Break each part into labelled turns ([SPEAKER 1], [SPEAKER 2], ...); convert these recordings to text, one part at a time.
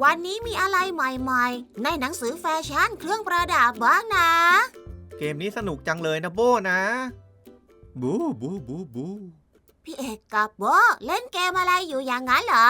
[SPEAKER 1] วันนี้มีอะไรใหม่ๆในหนังสือแฟชั่นเครื่องประดับบ้างนะ
[SPEAKER 2] เกมนี้สนุกจังเลยนะโบนะบูบูบูบู
[SPEAKER 1] พี่เอกกับโบเล่นเกมอะไรอยู่อย่างนั้นเหรอก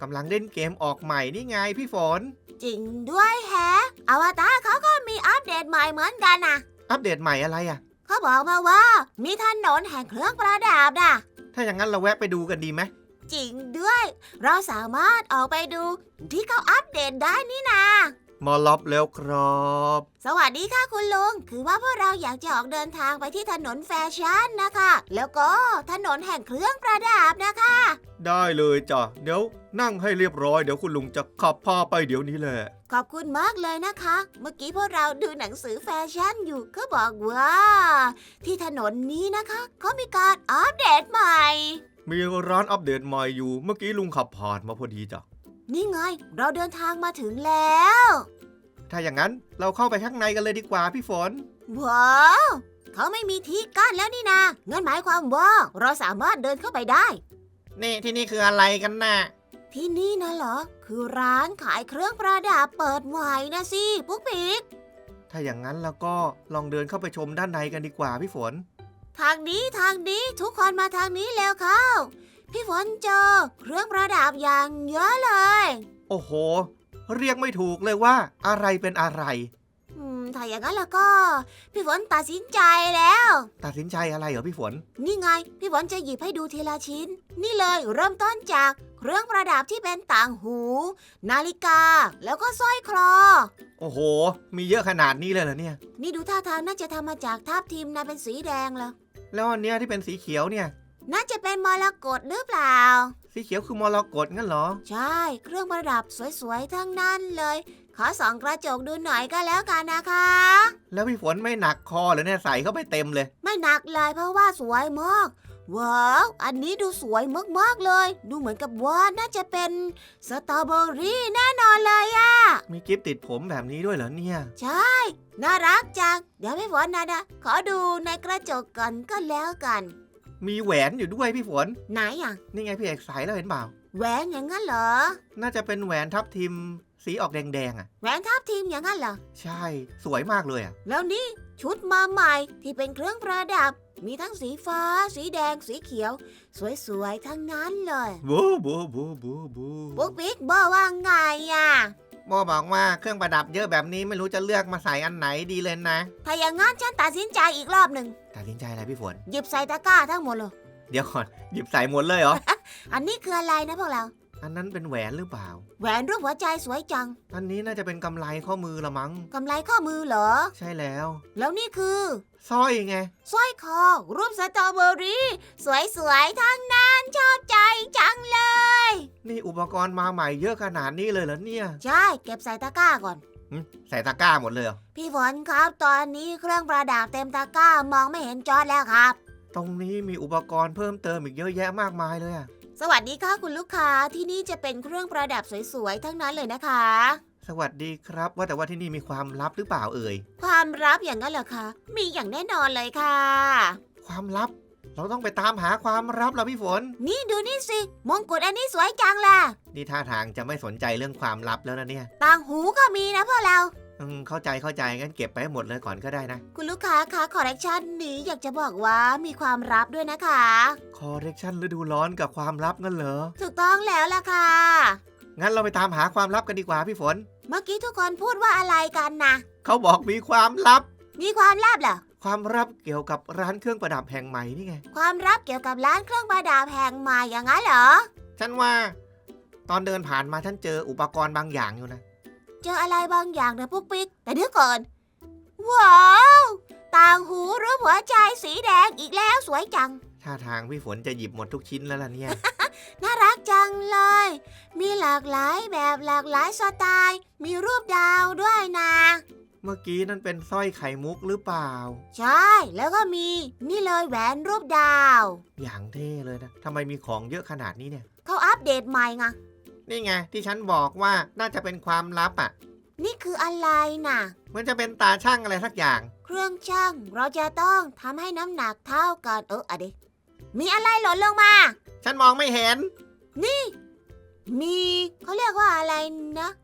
[SPEAKER 2] ำลังเล่นเกมออกใหม่นี่ไงพี่ฝน
[SPEAKER 1] จริงด้วยแฮะอวตารเขาก็มีอัปเดตใหม่เหมือนกันนะ
[SPEAKER 2] อัปเดตใหม่อะไรอ่ะ
[SPEAKER 1] เขาบอกมาว่ามีถนนแห่งเครื่องประดับนะ
[SPEAKER 2] ถ้าอย่างนั้นเราแวะไปดูกันดีไหม
[SPEAKER 1] จริงด้วยเราสามารถออกไปดูที่เขาอัปเดตได้นี่นา
[SPEAKER 2] มาล็อบแล้วครับ
[SPEAKER 1] สวัสดีค่ะคุณลุงคือว่าพวกเราอยากจะออกเดินทางไปที่ถนนแฟชั่นนะคะแล้วก็ถนนแห่งเครื่องประดับนะคะ
[SPEAKER 2] ได้เลยจ้ะเดี๋ยวนั่งให้เรียบร้อยเดี๋ยวคุณลุงจะขับพาไปเดี๋ยวนี้แหละ
[SPEAKER 1] ขอบคุณมากเลยนะคะเมื่อกี้พวกเราดูหนังสือแฟชั่นอยู่ก็บอกว่าที่ถนนนี้นะคะเขามีการอัปเดตใหม่
[SPEAKER 2] มีร้านอัปเดตใหม่อยู่เมื่อกี้ลุงขับผ่านมาพอดีจ้ะ
[SPEAKER 1] นี่ไงเราเดินทางมาถึงแล้ว
[SPEAKER 2] ถ้าอย่างนั้นเราเข้าไปข้างในกันเลยดีกว่าพี่ฝน
[SPEAKER 1] ว้าวเขาไม่มีที่กั้นแล้วนี่นางั้นหมายความว่าเราสามารถเดินเข้าไปได้
[SPEAKER 2] นี่ที่นี่คืออะไรกันน่ะ
[SPEAKER 1] ที่นี่นะเหรอคือร้านขายเครื่องประดับเปิดใหม่นะสิปุ๊กปิ๊ก
[SPEAKER 2] ถ้าอย่างนั้นแล้วก็ลองเดินเข้าไปชมด้านในกันดีกว่าพี่ฝน
[SPEAKER 1] ทางนี้ทุกคนมาทางนี้แล้วเข้าพี่ฝนเจอเครื่องประดับอย่างเยอะเลย
[SPEAKER 2] โอ้โหเรียกไม่ถูกเลยว่าอะไรเป็นอะไร
[SPEAKER 1] ถ้าอย่างนั้นแล้วก็พี่ฝนตัดสินใจแล้ว
[SPEAKER 2] ตัดสินใจอะไรเหรอพี่ฝน
[SPEAKER 1] นี่ไงพี่ฝนจะหยิบให้ดูทีละชิ้นนี่เลยเริ่มต้นจากเครื่องประดับที่เป็นต่างหูนาฬิกาแล้วก็สร้อยคอ
[SPEAKER 2] โอ้โหมีเยอะขนาดนี้เลยเหรอเนี่ย
[SPEAKER 1] นี่ดูท่าทางน่าจะทำมาจากทับทิมนะเป็นสีแดงเหรอ
[SPEAKER 2] แล้วอันเนี้ยที่เป็นสีเขียวเนี่ย
[SPEAKER 1] น่าจะเป็นมรกตหรือเปล่า
[SPEAKER 2] สีเขียวคือมรกตงั้นเหรอ
[SPEAKER 1] ใช่เครื่องประดับสวยๆทั้งนั้นเลยขอส่องกระจกดูหน่อยก็แล้วกันนะคะ
[SPEAKER 2] แล้วพี่ฝนไม่หนักคอเหรอเนี่ยใส่เข้าไปเต็มเลย
[SPEAKER 1] ไม่หนักเลยเพราะว่าสวยมากว้าวอันนี้ดูสวยมากๆเลยดูเหมือนกับว่าน่าจะเป็นสตรอเบอรี่แน่นอนเลยอะ
[SPEAKER 2] มีกิฟต์ติดผมแบบนี้ด้วยเหรอเนี่ย
[SPEAKER 1] ใช่น่ารักจังเดี๋ยวพี่ฝนนะขอดูในกระจกก่อนก็แล้วกัน
[SPEAKER 2] มีแหวนอยู่ด้วยพี่ฝน
[SPEAKER 1] ไหนอ่ะ
[SPEAKER 2] นี่ไงพี่เอกใส่แล้วเห็นเปล่า
[SPEAKER 1] แหวนอย่างนั้นเหรอ
[SPEAKER 2] น่าจะเป็นแหวนทับทิมสีออกแดงๆอ่ะ
[SPEAKER 1] แหวนทับทิมอย่างนั้นเหรอ
[SPEAKER 2] ใช่สวยมากเลยอ่ะ
[SPEAKER 1] แล้วนี่ชุดมาใหม่ที่เป็นเครื่องประดับมีทั้งสีฟ้าสีแดงสีเขียวสวยๆทั้งนั้นเลย
[SPEAKER 2] บูบูบูบูบู
[SPEAKER 1] ปุ๊กปิ๊กบอกว่าไงอ่ะ
[SPEAKER 2] โมบอกว่าเครื่องประดับเยอะแบบนี้ไม่รู้จะเลือกมาใส่อันไหนดีเลยนะ
[SPEAKER 1] ถ้าอย่างงั้นฉันตัดสินใจอีกรอบหนึ่ง
[SPEAKER 2] ตัดสินใจอะไรพี่ฝน
[SPEAKER 1] หยิบใส่ตะกร้าทั้งหมดเลย
[SPEAKER 2] เดี๋ยวก่อนหยิบใส่หมดเลยเหรอ
[SPEAKER 1] อันนี้คืออะไรนะพวกเรา
[SPEAKER 2] อันนั้นเป็นแหวนหรือเปล่า
[SPEAKER 1] แหวนรูปหัวใจสวยจัง
[SPEAKER 2] อันนี้น่าจะเป็นกำไลข้อมือละมั้ง
[SPEAKER 1] กำไลข้อมือเหรอ
[SPEAKER 2] ใช่แล้ว
[SPEAKER 1] แล้วนี่คือ
[SPEAKER 2] สร้อยไง
[SPEAKER 1] สร้อยคอรูปสตรอเบอรี่สวยๆทั้งนั้นชอบใจจังเลย
[SPEAKER 2] นี่อุปกรณ์มาใหม่เยอะขนาดนี้เลยเหรอเนี่ย
[SPEAKER 1] ใช่เก็บใส่ตะกร้าก่อน
[SPEAKER 2] ใส่ตะกร้าหมดเลยเหรอ
[SPEAKER 1] พี่ฝนครับตอนนี้เครื่องประดับเต็มตะกร้ามองไม่เห็นจอแล้วครับ
[SPEAKER 2] ตรงนี้มีอุปกรณ์เพิ่มเติมอีกเยอะแยะมากมายเลยอะ
[SPEAKER 1] สวัสดีค่ะคุณลูกค้าที่นี่จะเป็นเครื่องประดับสวยๆทั้งนั้นเลยนะคะ
[SPEAKER 2] สวัสดีครับว่าแต่ว่าที่นี่มีความลับหรือเปล่าเอ่ย
[SPEAKER 1] ความลับอย่างนั้นเหรอคะมีอย่างแน่นอนเลยค่ะ
[SPEAKER 2] ความลับเราต้องไปตามหาความลับแล้วพี่ฝน
[SPEAKER 1] นี่ดูนี่สิมงกุฎอันนี้สวยจังล่ะ
[SPEAKER 2] นี่ท่าทางจะไม่สนใจเรื่องความลับแล้วนะเนี่ย
[SPEAKER 1] ต่างหูก็มีนะพวกเรา
[SPEAKER 2] เข้าใจงั้นเก็บไปให้หมดเลยก่อนก็ได้นะ
[SPEAKER 1] คุณลูกค้าคะคอลเลคชันนี้อยากจะบอกว่ามีความลับด้วยนะคะ
[SPEAKER 2] คอลเลคชันฤดูร้อนกับความลับงั้นเหรอ
[SPEAKER 1] ถูกต้องแล้วล่ะค่ะ
[SPEAKER 2] งั้นเราไปตามหาความลับกันดีกว่าพี่ฝน
[SPEAKER 1] เมื่อกี้ทุกคนพูดว่าอะไรกันนะ
[SPEAKER 2] เขาบอกมีความลับ
[SPEAKER 1] มีความลับเหรอ
[SPEAKER 2] ความลับเกี่ยวกับร้านเครื่องประดับแห่งใหม่นี่ไง
[SPEAKER 1] ความลับเกี่ยวกับร้านเครื่องประดับแห่งใหม่อย่างนั้นเหรอ
[SPEAKER 2] ฉันว่าตอนเดินผ่านมาฉันเจออุปกรณ์บางอย่างอยู่นะ
[SPEAKER 1] เจออะไรบางอย่างนะปุ๊กปิ๊กแต่เดี๋ยวก่อนว้าวต่างหูรูปหัวใจสีแดงอีกแล้วสวยจัง
[SPEAKER 2] ท่าทางพี่ฝนจะหยิบหมดทุกชิ้นแล้วล่ะเนี่ย
[SPEAKER 1] น่ารักจังเลยมีหลากหลายแบบหลากหลายสไตล์มีรูปดาวด้วยนะ
[SPEAKER 2] เมื่อกี้นั่นเป็นสร้อยไข่มุกหรือเปล่า
[SPEAKER 1] ใช่แล้วก็มีนี่เลยแหวนรูปดาว
[SPEAKER 2] อย่างเท่เลยนะทำไมมีของเยอะขนาดนี้เนี่ย
[SPEAKER 1] เขาอัปเดตใหม่ไง
[SPEAKER 2] นี่ไงที่ฉันบอกว่าน่าจะเป็นความลับอ่ะ
[SPEAKER 1] นี่คืออะไรน่ะ
[SPEAKER 2] มันจะเป็นตาช่างอะไรสักอย่าง
[SPEAKER 1] เครื่องช่างเราจะต้องทำให้น้ำหนักเท่ากันอะดิมีอะไรหล่นลงมา
[SPEAKER 2] ฉันมองไม่เห็น
[SPEAKER 1] นี่มีเขาเรียกว่าอะไรนะ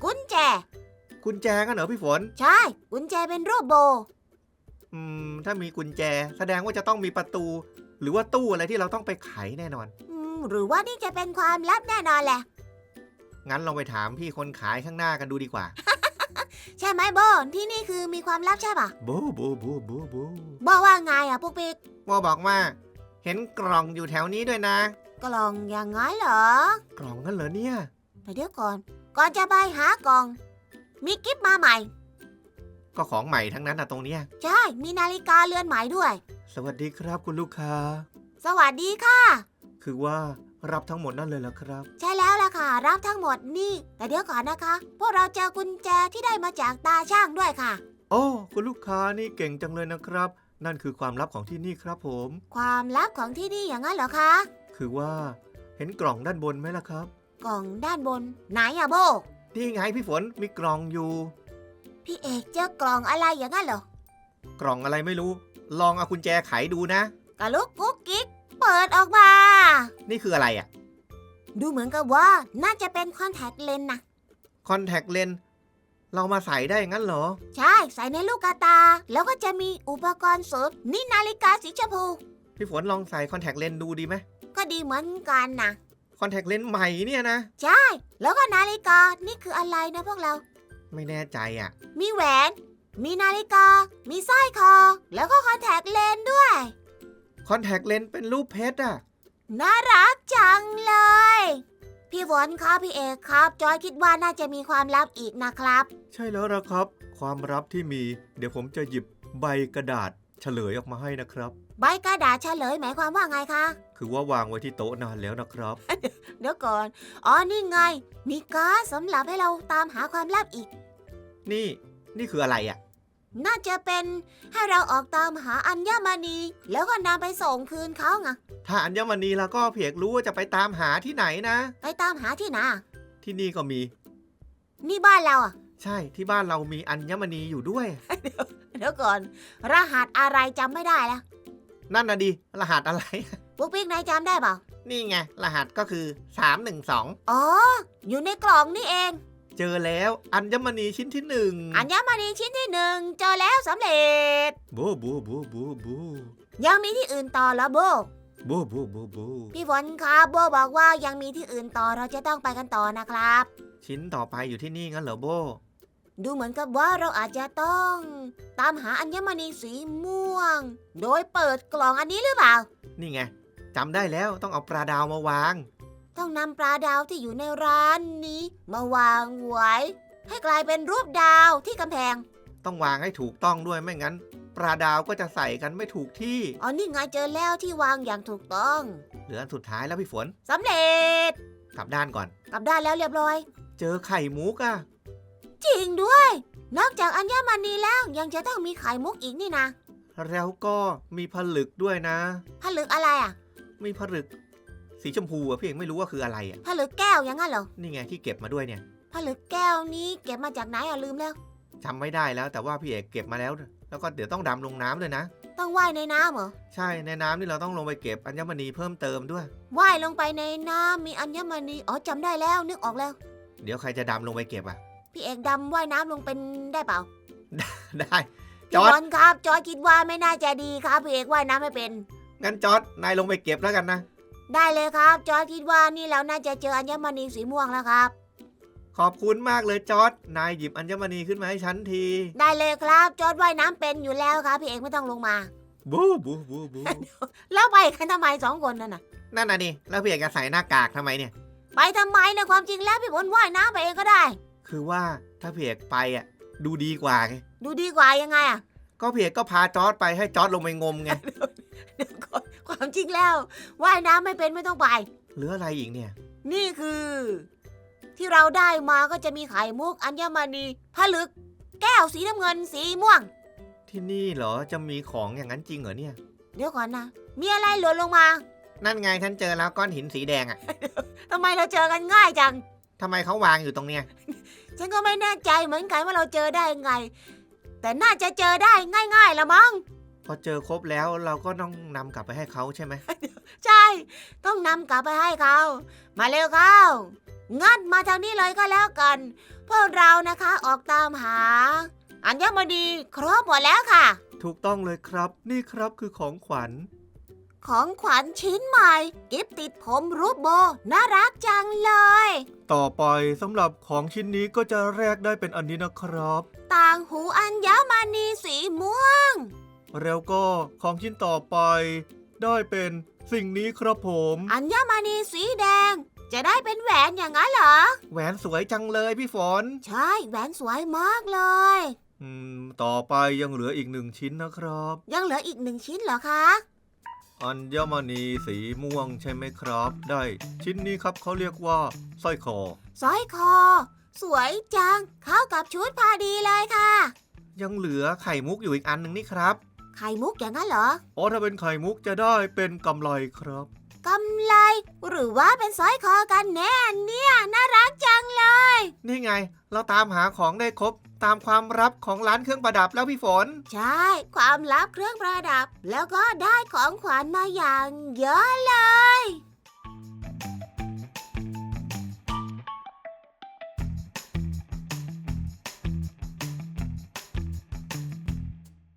[SPEAKER 1] กุญแจ
[SPEAKER 2] กุญแจกันเหรอพี่ฝน
[SPEAKER 1] ใช่กุญแจเป็นรูปโบ
[SPEAKER 2] ถ้ามีกุญแจแสดงว่าจะต้องมีประตู หรือว่าตู้อะไรที่เราต้องไปไขแน่นอน
[SPEAKER 1] หรือว่านี่จะเป็นความลับแน่นอนแหละ
[SPEAKER 2] งั้นลองไปถามพี่คนขายข้างหน้ากันดูดีกว่า
[SPEAKER 1] ใช่ไหมโบที่นี่คือมีความลับใช่ปะ
[SPEAKER 2] บูบูบูบูบู
[SPEAKER 1] โบว่าไงอ่ะปุ๊กปิ๊ก
[SPEAKER 2] โบบอกว่า เห็นกล่องอยู่แถวนี้ด้วยนะ
[SPEAKER 1] กล่องอย่างงั้นเหรอก
[SPEAKER 2] ล่องกันเหรอเนี่ย
[SPEAKER 1] แต่เดี๋ยวก่อนจะไปหากล่อง มีกิฟต์มาใหม่
[SPEAKER 2] ก็ของใหม่ทั้งนั้นนะตรงเนี้ย
[SPEAKER 1] ใช่มีนาฬิกาเรือนใหม่ด้วย
[SPEAKER 2] สวัสดีครับคุณลูกค้า
[SPEAKER 1] สวัสดีค่ะ
[SPEAKER 2] คือว่ารับทั้งหมดนั่นเลยเหรอครับ
[SPEAKER 1] ใช่แล้วล่ะค่ะรับทั้งหมดนี่ แต่เดี๋ยวก่อนนะคะ พวกเราเจอกุญแจที่ได้มาจากตาช่างด้วยค่ะ
[SPEAKER 2] โอ้คุณลูกค้านี่เก่งจังเลยนะครับ นั่นคือความลับของที่นี่ครับผม
[SPEAKER 1] ความลับของที่นี่อย่างนั้นเหรอคะ
[SPEAKER 2] คือว่าเห็นกล่องด้านบนไหมล่ะครับ
[SPEAKER 1] กล่องด้านบนไหนอะโบ
[SPEAKER 2] นี่ไงพี่ฝนมีกล่องอยู่
[SPEAKER 1] พี่เอกเจอกล่องอะไรอย่างนั้นเหรอ
[SPEAKER 2] กล่องอะไรไม่รู้ ลองเอากุญแจไขดูนะ
[SPEAKER 1] กะลุกกุ๊กกิ๊กเปิดออกมา
[SPEAKER 2] นี่คืออะไรอ่ะ
[SPEAKER 1] ดูเหมือนกับว่าน่าจะเป็นคอนแทคเลนส์นะ
[SPEAKER 2] คอนแทคเลนส์เรามาใส่ได้งั้นเหรอ
[SPEAKER 1] ใช่ใส่ในลูกกาตา แล้วก็จะมีอุปกรณ์เสริมนี่นาฬิกาสีชมพู
[SPEAKER 2] พี่ฝนลองใส่คอนแทคเลนส์ดูดีไหม
[SPEAKER 1] ก็ดีเหมือนกันนะ
[SPEAKER 2] คอนแทคเลนส์ใหม่เนี่ยนะ
[SPEAKER 1] ใช่ แล้วก็นาฬิกานี่คืออะไรนะพวกเรา
[SPEAKER 2] ไม่แน่ใจอ่ะ
[SPEAKER 1] มีแหวน มีนาฬิกา มีสร้อยคอ แล้วก็คอนแทคเลนส์ด้วย
[SPEAKER 2] คอนแทคเลนส์เป็นรูปเพชรอ่ะ
[SPEAKER 1] น่ารักจังเลย พี่ฝนครับพี่เอกครับ จอยคิดว่าน่าจะมีความลับอีกนะครับ
[SPEAKER 2] ใช่แล้วละครับ ความลับที่มี เดี๋ยวผมจะหยิบใบกระดาษเฉลยออกมาให้นะครับ
[SPEAKER 1] ใบกระดาษเฉลยหมายความว่าไงคะ
[SPEAKER 2] คือว่าวางไว้ที่โต๊ะนานแล้วนะครับ
[SPEAKER 1] เดี๋ยวก่อน อ๋อ นี่ไง มีการ์ดสำหรับให้เราตามหาความลับอีก
[SPEAKER 2] นี่คืออะไรอ่ะ
[SPEAKER 1] น่าจะเป็นให้เราออกตามหาอัญมณี แล้วก็นำไปส่งคืนเขาไง
[SPEAKER 2] ถ้าอัญมณีแล้วก็เพียกรู้ว่าจะไปตามหาที่ไหนนะ
[SPEAKER 1] ไปตามหาที่ไหน
[SPEAKER 2] ที่นี่ก็มี
[SPEAKER 1] นี่บ้านเราอ่ะ
[SPEAKER 2] ใช่ที่บ้านเรามีอัญมณีอยู่ด้วย
[SPEAKER 1] เดี๋ยวก่อน รหัสอะไรจำไม่ได้แล้ว
[SPEAKER 2] นั่นน่ะดิรหัสอะไร
[SPEAKER 1] ปุ๊กปิ๊กนายจำได้เปล่า
[SPEAKER 2] นี่ไงรหัสก็คือ312
[SPEAKER 1] อ๋อ อยู่ในกล่องนี่เอง
[SPEAKER 2] เจอแล้วอัญมณีชิ้นที่1
[SPEAKER 1] อัญมณีชิ้นที่1เจอแล้วสำเร็จ
[SPEAKER 2] บูบูบูบูบู
[SPEAKER 1] ยังมีที่อื่นต่อเหรอโบ
[SPEAKER 2] บูบูบูบู
[SPEAKER 1] พี่ฝนครับโบบอกว่ายังมีที่อื่นต่อเราจะต้องไปกันต่อนะครับ
[SPEAKER 2] ชิ้นต่อไปอยู่ที่นี่งั้นเหรอโบ
[SPEAKER 1] ดูเหมือนกับว่าเราอาจจะต้องตามหาอัญมณีสีม่วง โดยเปิดกล่องอันนี้หรือเปล่า
[SPEAKER 2] นี่ไงจำได้แล้วต้องเอาปลาดาวมาวาง
[SPEAKER 1] ต้องนำปลาดาวที่อยู่ในร้านนี้ มาวางไว้ ให้กลายเป็นรูปดาวที่กำแพง
[SPEAKER 2] ต้องวางให้ถูกต้องด้วยไม่งั้น ปลาดาวก็จะใส่กันไม่ถูกที่
[SPEAKER 1] อ๋อนี่ไงเจอแล้วที่วางอย่างถูกต้อง
[SPEAKER 2] เหลืออันสุดท้ายแล้วพี่ฝน
[SPEAKER 1] สำเร็จ
[SPEAKER 2] กลับด้านก่อน
[SPEAKER 1] กลับด้านแล้วเรียบร้อย
[SPEAKER 2] เจอไข่มุกอะ
[SPEAKER 1] จริงด้วย นอกจากอัญมณีแล้วยังจะต้องมีไข่มุกอีกนี่นะ
[SPEAKER 2] แล้วก็มีผลึกด้วยนะ
[SPEAKER 1] ผลึกอะไรอ่ะ
[SPEAKER 2] มีผลึกสีชมพูอะพี่เอกไม่รู้ว่าคืออะไรอะ
[SPEAKER 1] ผลึกแก้วอย่างนั้นเหรอ
[SPEAKER 2] นี่ไงที่เก็บมาด้วยเนี่ย
[SPEAKER 1] ผลึกแก้วนี้เก็บมาจากไหนอ่ะลืมแล้ว
[SPEAKER 2] จำไม่ได้แล้วแต่ว่าพี่เอกเก็บมาแล้ว แล้วก็เดี๋ยวต้องดำลงน้ำเลยนะ
[SPEAKER 1] ต้องว่ายในน้ำเหรอ
[SPEAKER 2] ใช่ในน้ำนี่เราต้องลงไปเก็บอัญมณีเพิ่มเติมด้วย
[SPEAKER 1] ว่ายลงไปในน้ำมีอัญมณีอ๋อจำได้แล้วนึกออกแล้ว
[SPEAKER 2] เดี๋ยวใครจะดำลงไปเก็บอะ
[SPEAKER 1] พี่เอกดำว่ายน้ำลงเป็นได้เปล่า
[SPEAKER 2] ได้จ
[SPEAKER 1] พี่
[SPEAKER 2] อร์
[SPEAKER 1] บ
[SPEAKER 2] ด
[SPEAKER 1] อลครับจอยคิดว่าไม่น่าจะดีครับพี่เอกว่ายน้ำไม่เป็น
[SPEAKER 2] งั้นจอร์ดนายลงไปเก็บแล้วกันนะ
[SPEAKER 1] ได้เลยครับจอยคิดว่านี่เราน่าจะเจออัญมณีสีม่วงแล้วครับ
[SPEAKER 2] ขอบคุณมากเลยจอร์ดนายหยิบอัญมณีขึ้นมาให้ฉันที
[SPEAKER 1] ได้เลยครับจอยว่ายน้ำเป็นอยู่แล้วครับพี่เอกไม่ต้องลงมา
[SPEAKER 2] บูบูบูบู
[SPEAKER 1] แล้วไปกันทำไม2 คนนั่นน่ะ
[SPEAKER 2] นั่นน่ะดิแล้วพี่เอกจะใส่หน้ากากทำไมเนี่ย
[SPEAKER 1] ไปทำไมนะความจริงแล้วพี่บอลว่ายน้ำไปเองก็ได้
[SPEAKER 2] คือว่าถ้าพี่เอกไปอ่ะดูดีกว่าไง
[SPEAKER 1] ดูดีกว่ายังไงอ่ะ
[SPEAKER 2] ก็พี่เอกก็พาจอร์ดไปให้จอร์ดลงไปงมไง
[SPEAKER 1] เดี๋ยวก่อนความจริงแล้วว่ายน้ำไม่เป็นไม่ต้องไป
[SPEAKER 2] เหลืออะไรอีกเนี่ย
[SPEAKER 1] นี่คือ ที่เราได้มาก็จะมีไข่มุกอัญมณีผลึกแก้วสีน้ำเงินสีม่วง
[SPEAKER 2] ที่นี่เหรอจะมีของอย่างนั้นจริงเหรอเนี่ย
[SPEAKER 1] เดี๋ยวก่อนนะ มีอะไรหล่นลงมา
[SPEAKER 2] นั่นไงฉันเจอแล้วก้อนหินสีแดงอ่ะ
[SPEAKER 1] ทำไมเราเจอกันง่ายจัง
[SPEAKER 2] ทำไมเขาวางอยู่ตรงเนี้ย
[SPEAKER 1] ฉันก็ไม่แน่ใจเหมือนกันว่าเราเจอได้ไง แต่น่าจะเจอได้ง่ายๆละมั้ง
[SPEAKER 2] พอเจอครบแล้วเราก็ต้องนำกลับไปให้เขาใช่ไหม
[SPEAKER 1] ใช่ ต้องนำกลับไปให้เขา มาเร็วเข้างั้นมาทางนี้เลยก็แล้วกัน พพวกเรานะคะออกตามหาอัญมณีครบหมดแล้วค่ะ
[SPEAKER 2] ถูกต้องเลยครับนี่ครับคือของขวัญ
[SPEAKER 1] ของขวัญชิ้นใหม่กิฟติดผมรูปโบน่ารักจังเลย
[SPEAKER 2] ต่อไปสำหรับของชิ้นนี้ก็จะแลกได้เป็นอันนี้นะครับ
[SPEAKER 1] ต่างหูอัญมณีสีม่วง
[SPEAKER 2] แล้วก็ของชิ้นต่อไปได้เป็นสิ่งนี้ครับผม
[SPEAKER 1] อัญมณีสีแดงจะได้เป็นแหวนอย่างนั้นเหรอ
[SPEAKER 2] แหวนสวยจังเลยพี่ฝน
[SPEAKER 1] ใช่แหวนสวยมากเลย
[SPEAKER 2] ต่อไปยังเหลืออีก1 ชิ้นนะครับ
[SPEAKER 1] ยังเหลืออีก1 ชิ้นเหรอคะ
[SPEAKER 2] อัญมณีสีม่วงใช่ไหมครับได้ชิ้นนี้ครับเขาเรียกว่าสร้อยคอ
[SPEAKER 1] สร้อยคอสวยจังเข้ากับชุดพอดีเลยค่ะ
[SPEAKER 2] ยังเหลือไข่มุกอยู่อีกอันหนึ่งนี่ครับ
[SPEAKER 1] ไข่มุกอย่างนั้นเหรอ
[SPEAKER 2] ถ้าเป็นไข่มุกจะได้เป็นกำไลครับ
[SPEAKER 1] กำไลหรือว่าเป็นสร้อยคอกันแน่เนี่ยน่ารักจังเลย
[SPEAKER 2] นี่ไงเราตามหาของได้ครบตามความลับของร้านเครื่องประดับแล้วพี่ฝน
[SPEAKER 1] ใช่ความลับเครื่องประดับแล้วก็ได้ของขวัญมาอย่างเยอะเล